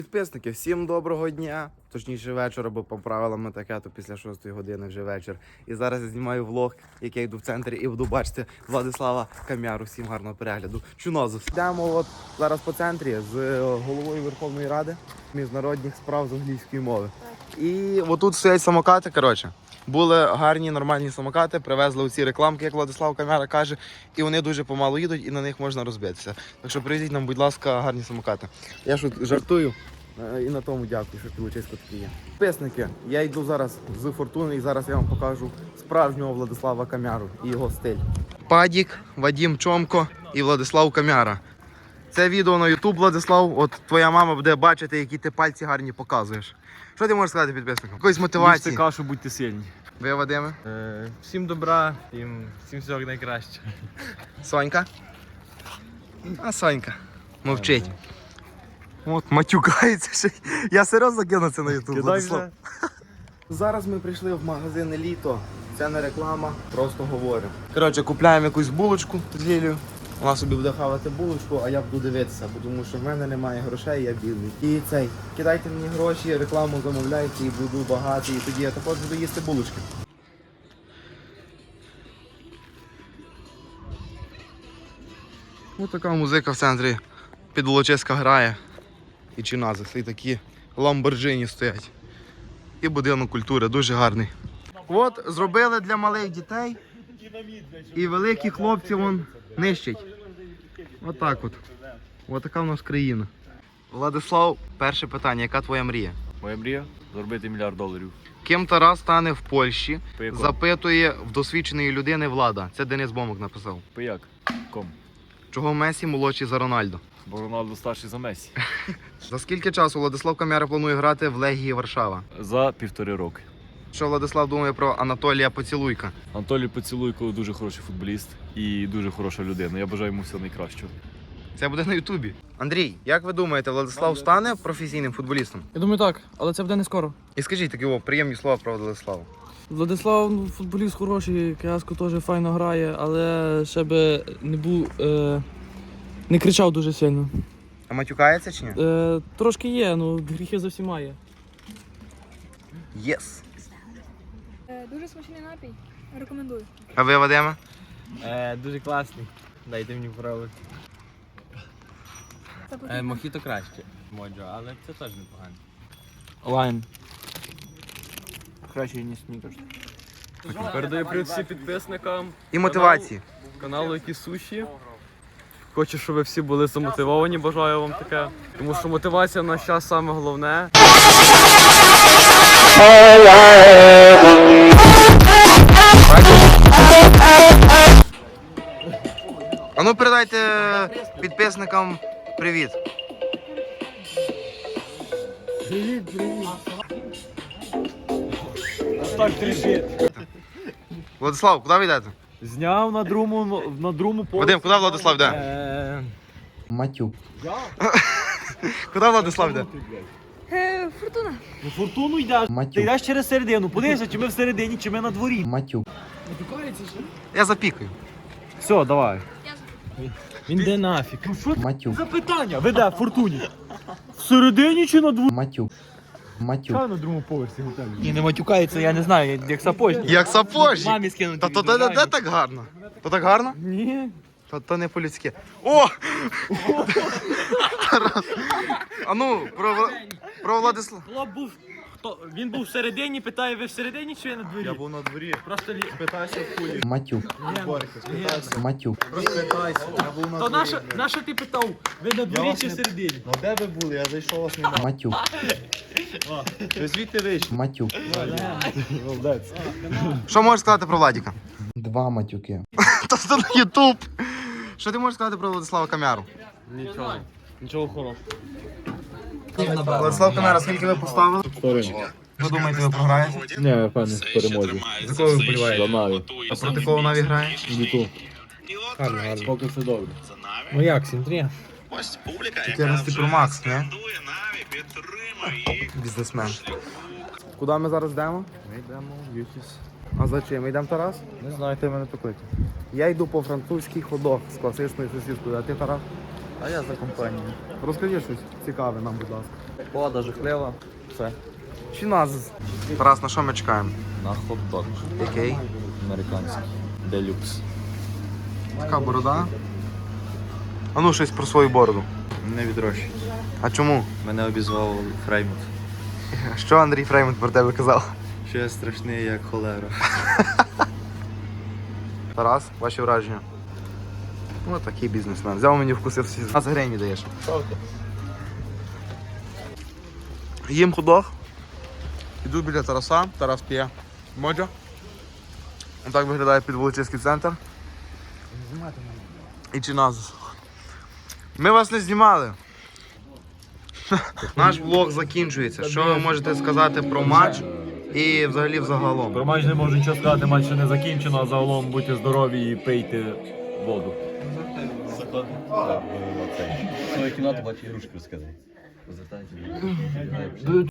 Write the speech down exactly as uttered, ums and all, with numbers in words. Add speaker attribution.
Speaker 1: Підписники, всім доброго дня, точніше вечора, бо по правилам ми таке, то після шостої години вже вечір. І зараз я знімаю влог, як я йду в центрі і буду бачити Владислава Камяру. Всім гарного перегляду. Чунозус. Йдемо от зараз по центрі з головою Верховної Ради міжнародних справ з англійської мови. І отут стоять самокати, коротше. Були гарні, нормальні самокати, привезли оці рекламки, як Владислав Камяра каже, і вони дуже помалу їдуть, і на них можна розбитися. Так що привезіть нам, будь ласка, гарні самокати. Я ж жартую, і на тому дякую, що Пілочисько такі є. Підписники, я йду зараз з Фортуни, і зараз я вам покажу справжнього Владислава Камяру і його стиль. Падік, Вадим Чомко і Владислав Камяра. Це відео на ютуб, Владислав, от твоя мама буде бачити, які ти пальці гарні показуєш. Що ти можеш сказати підписникам? Якоїсь мотивації?
Speaker 2: Їжте кашу, будьте сильні.
Speaker 1: Ви, Вадиме?
Speaker 2: Е, всім добра, всім, всім всього найкраще.
Speaker 1: Сонька? А Сонька мовчить. От, матюкається ще. Я серйозно кину це на ютуб, Владислав. Зараз ми прийшли в магазин Еліто. Це не реклама, просто говоримо. Коротше, купляємо якусь булочку з Лілею. Вона собі буде хавати булочку, а я буду дивитися, бо тому що в мене немає грошей, я бідний. І цей, кидайте мені гроші, рекламу замовляйте і буду багатий, і тоді я також буду їсти булочки. Ось така музика в центрі Підволочиська грає. І Чиназис, і такі ламборджині стоять. І будинок культури, дуже гарний. От, зробили для малих дітей. І великі хлопці вон нищать. Отак от. Ось така в нас країна. Владислав, перше питання. Яка твоя мрія?
Speaker 2: Моя мрія заробити мільярд доларів.
Speaker 1: Ким Тарас стане в Польщі?
Speaker 2: По якому?
Speaker 1: Запитує в досвідченої людини Влада. Це Денис Бомок написав.
Speaker 2: По як? Ком?
Speaker 1: Чого Месі молодший за Рональдо?
Speaker 2: Бо Роналдо старший за Месі.
Speaker 1: За скільки часу Владислав Камяра планує грати в Легії Варшава?
Speaker 2: За півтори роки.
Speaker 1: Що Владислав думає про Анатолія Поцілуйка?
Speaker 2: Анатолій Поцілуйко дуже хороший футболіст і дуже хороша людина. Я бажаю йому всього найкращого.
Speaker 1: Це буде на Ютубі. Андрій, як ви думаєте, Владислав стане професійним футболістом?
Speaker 3: Я думаю, так, але це буде не скоро.
Speaker 1: І скажіть такі о, приємні слова про Владислава.
Speaker 3: Владислав, ну, футболіст хороший, Кияско теж файно грає, але ще би не був, е, не кричав дуже сильно.
Speaker 1: А матюкається чи ні?
Speaker 3: Е, трошки є, ну гріхи за всіма є.
Speaker 1: Єс.
Speaker 4: Е, Дуже смачний напій. Рекомендую.
Speaker 1: А ви, Вадиме?
Speaker 5: Е, дуже класний. Дайте мені пробувати.
Speaker 4: Це потрібно.
Speaker 5: Е, мохіто краще, моджо, але це теж непогано.
Speaker 3: Лайн.
Speaker 5: Краще, ніж снікерс.
Speaker 2: Передаю привіт всім підписникам
Speaker 1: І мотивації.
Speaker 2: каналу Які Суші. Хочу, щоб ви всі були замотивовані, бажаю вам таке. Тому що мотивація в наш час саме головне.
Speaker 1: А ну передайте підписникам привіт.
Speaker 2: Так трішить.
Speaker 1: Владислав, куди ви йдете?
Speaker 2: Зняв на другому, на другому поверсі.
Speaker 1: Вадим, куди Владислав йде?
Speaker 2: Е,
Speaker 1: Матюк. Куди Владислав йде?
Speaker 4: Е, Фортуна.
Speaker 2: На фортуну йдеш. Ти йдеш через середину. Подивися, чи ми всередині, чи ми на дворі.
Speaker 1: Матюк. Я запікаю.
Speaker 2: Все, давай.
Speaker 5: Він де нафіг?
Speaker 1: Матюк.
Speaker 2: Запитання. Ви де в фортуні? Всередині чи на дворі?
Speaker 1: Матюк. Матюк.
Speaker 2: на другому поверсі готелю.
Speaker 5: Ні, не матюкається, я не знаю, як сапожник.
Speaker 1: Як сапожник.
Speaker 5: Мамі скинути.
Speaker 1: Та то де, де так гарно? То так гарно?
Speaker 2: Ні.
Speaker 1: Та то не по-людськи. О! Тарас. А ну, про, Вла- про Владислава.
Speaker 5: Хлоп був, хто, він був всередині, питає, ви всередині чи ви на дворі?
Speaker 2: Я був на дворі.
Speaker 5: Просто лі...
Speaker 2: Питайся в кулі.
Speaker 1: Матюк. Матюк.
Speaker 2: Розпитайся. Я був на
Speaker 5: То
Speaker 2: дворі.
Speaker 5: нащо, нащо ти питав, ви на дворі
Speaker 2: вас
Speaker 5: чи
Speaker 2: не-
Speaker 5: всередині?
Speaker 2: Ну де ви були? Я зайшов, вас немає.
Speaker 1: Матюк.
Speaker 2: Ви звідти вийшли.
Speaker 1: Матюк.
Speaker 2: Молодець.
Speaker 1: Що можеш сказати про Владіка?
Speaker 6: Два матюки.
Speaker 1: Та це на Ютуб. Що ти можеш сказати про Владислава Камяру?
Speaker 2: Нічого. Нічого хорошого.
Speaker 1: Владислав Камяра, скільки ви поставили? Ви думаєте, ви програєте?
Speaker 2: Ні, я впевнений в перемозі.
Speaker 1: За кого ви вболіваєте?
Speaker 2: За Наві.
Speaker 1: А проти кого Наві грає?
Speaker 2: Ніку. Гарно, гарно. Поки все добре.
Speaker 5: Ну як, сім-три?
Speaker 1: чотирнадцять Pro Max, не? Бізнесмен. Куди ми зараз йдемо?
Speaker 2: Ми йдемо в Ютіс.
Speaker 1: А за чим? Ми йдемо, Тарас?
Speaker 2: Не знаю, ти мене покликав.
Speaker 1: Я йду по французький ходок з класичною сосискою, а ти, Тарас?
Speaker 2: А я за компанію.
Speaker 1: Розкажи щось цікаве нам, будь ласка.
Speaker 2: Погода жахлива. Все.
Speaker 1: Чи нас? Тарас, на що ми чекаємо?
Speaker 2: На хот-дог.
Speaker 1: Який?
Speaker 2: Американський. Делюкс.
Speaker 1: Така борода. А ну щось про свою бороду.
Speaker 6: Не відрощуй.
Speaker 1: А чому?
Speaker 6: Мене обізвав Фреймут.
Speaker 1: Що Андрій Фреймут про тебе казав?
Speaker 6: Що я страшний, як холера.
Speaker 1: Тарас, ваші враження? Ну, такий бізнесмен. Взяв мені вкусив всі. А за гривні даєш. Їм худох. Іду біля Тараса. Тарас п'є моджо. Так виглядає підволочиський центр. І Чиназис. Ми вас не знімали. Наш влог закінчується. Що ви можете сказати про матч і взагалі взагалом?
Speaker 5: Про матч не можу нічого сказати, матч ще не закінчено, а загалом будьте здорові і пийте воду.
Speaker 6: Своє кіно, то бачу ігрушки розказай.